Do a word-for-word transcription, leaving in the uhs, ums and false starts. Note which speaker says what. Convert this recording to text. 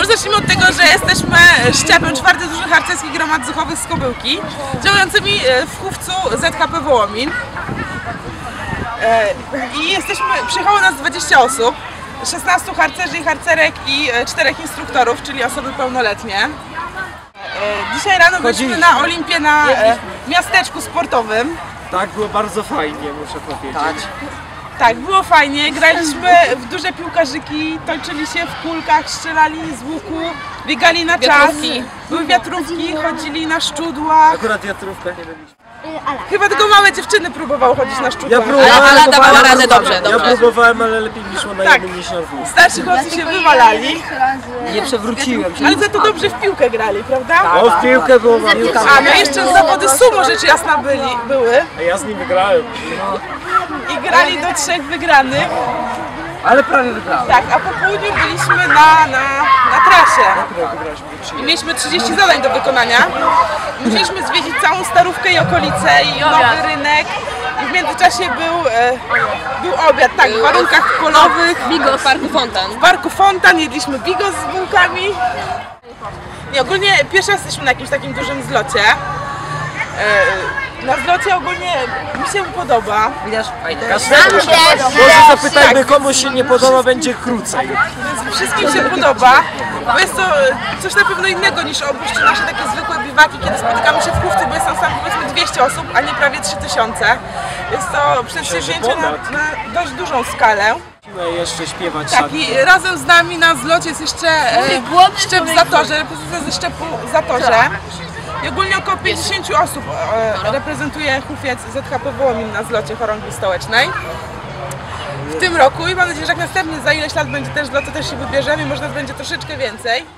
Speaker 1: zacznijmy od tego, że jesteśmy szczepem czwartej Drużyny Harcerskich Gromad Zuchowych z Kobyłki, działającymi w Chówcu Z K P Wołomin. I jesteśmy, przyjechało nas dwadzieścia osób, szesnastu harcerzy i harcerek i czterech instruktorów, czyli osoby pełnoletnie. Dzisiaj rano byliśmy na Olimpię na miasteczku sportowym.
Speaker 2: Tak, było bardzo fajnie, muszę powiedzieć. Tak.
Speaker 1: Tak, było fajnie, graliśmy w duże piłkarzyki, toczyli się w kulkach, strzelali z łuku, biegali na czas, były wiatrówki, chodzili na szczudła.
Speaker 2: Akurat wiatrówkę nie robiliśmy.
Speaker 1: Chyba tylko małe dziewczyny próbowały chodzić na szczudła.
Speaker 2: Ja próbowałem,
Speaker 3: ale Ala dawała radę dobrze, dobrze.
Speaker 2: Ja próbowałem, ale lepiej mi szło na
Speaker 1: Tak.
Speaker 2: jednym niż na dwóch.
Speaker 1: Starsi chłopcy się wywalali,
Speaker 4: Nie przewróciłem się.
Speaker 1: ale za to dobrze w piłkę grali, prawda?
Speaker 2: O, w piłkę było bardzo.
Speaker 1: A no jeszcze zawody sumo rzecz jasna byli, były
Speaker 2: A ja z nim wygrałem.
Speaker 1: i grali do trzech wygranych.
Speaker 4: Ale prawie wygrałem.
Speaker 1: Tak, a po południu byliśmy na, na, na trasie. I mieliśmy trzydzieści zadań do wykonania. Musieliśmy zwiedzić całą Starówkę i okolice i nowy rynek. I w międzyczasie był, e, był obiad, tak, w warunkach polowych.
Speaker 3: Bigo w Parku Fontan.
Speaker 1: W Parku Fontan jedliśmy bigos z bułkami. Nie, ogólnie pierwszy raz jesteśmy na jakimś takim dużym zlocie. E, na zlocie ogólnie mi się podoba.
Speaker 4: Widać?
Speaker 2: Może zapytajmy, komu się nie podoba, będzie krócej.
Speaker 1: Więc wszystkim się podoba, bo jest to coś na pewno innego niż oprócz nasze takie zwykłe biwaki, kiedy spotykamy się w Chówcu, bo jest tam sam powiedzmy dwieście osób, a nie prawie trzy tysiące. Jest to przedsięwzięcie na, na dość dużą skalę.
Speaker 2: Musimy jeszcze śpiewać.
Speaker 1: Tak, i razem z nami na zlocie jest jeszcze e, szczep w Zatorze, reprezentacja ze szczepu w Zatorze. I ogólnie około pięćdziesiąt osób e, reprezentuje Chówiec Z K P Wołomin na zlocie chorągwi stołecznej w tym roku i mam nadzieję, że jak następny za ileś lat będzie też zlot, to też się wybierzemy i może nas będzie troszeczkę więcej.